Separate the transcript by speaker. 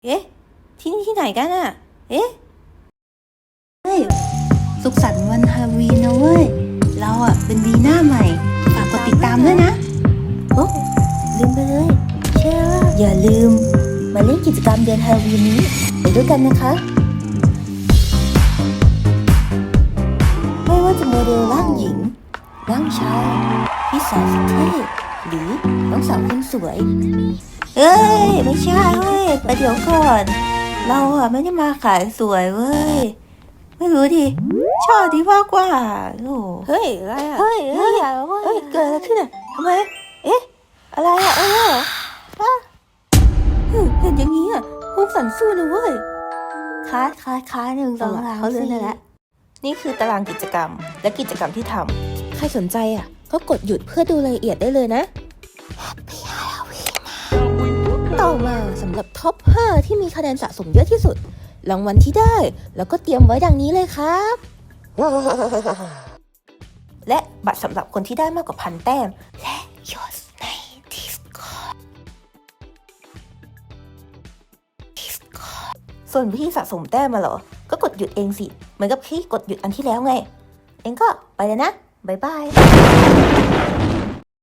Speaker 1: เอ๊ะที่นี่ที่ไหนกันอะเอ๊ะ
Speaker 2: เฮ้ยสุขสันต์วันฮาโลวีนนะเว้ย เราอะเป็นวีหน้าใหม่ ฝากกดติดตามด้วยนะ
Speaker 1: โอ้ลืมไปเลยเชื่อว่าอย่าลืมมาเล่นกิจกรรมเดือนฮาโลวีนนี้ไปด้วยกันนะคะ ไม่ว่าจะโมเดลร่างหญิงร่างชายพี่สาวสุดเท่หรือน้องสาวคนสวยเอ้ยไม่ใช่เว้ยไปเดี๋ยวก่อนเราอะไม่ได้มาขายสวยเว้ยไม่รู้ดิชอบดีมากกว่าโอ้เฮ้ยอะไรอะเฮ้ยเฮ้ยเกิดอะไรขึ้นอะทำไมเอ๊ะอะไรอะเห็นอย่างนี้อะพวกสันสู้นะเว้ยค้าหนึ่งสองสามเขาเลื่อนได้แล้วนี่คือตารางกิจกรรมและกิจกรรมที่ทำใครสนใจอ่ะก็กดหยุดเพื่อดูรายละเอียดได้เลยนะ Happy Halloween ต่อมาสำหรับท็อป 5 ที่มีคะแนนสะสมเยอะที่สุดรางวัลที่ได้แล้วก็เตรียมไว้ดังนี้เลยครับ และบัตรสำหรับคนที่ได้มากกว่า1,000 แต้มและยศใน Discord ส่วนวิธีสะสมแต้มมาเหรอก็กดหยุดเองสิเหมือนกับที่กดหยุดอันที่แล้วไงเองก็ไปเลยนะบ๊ายบาย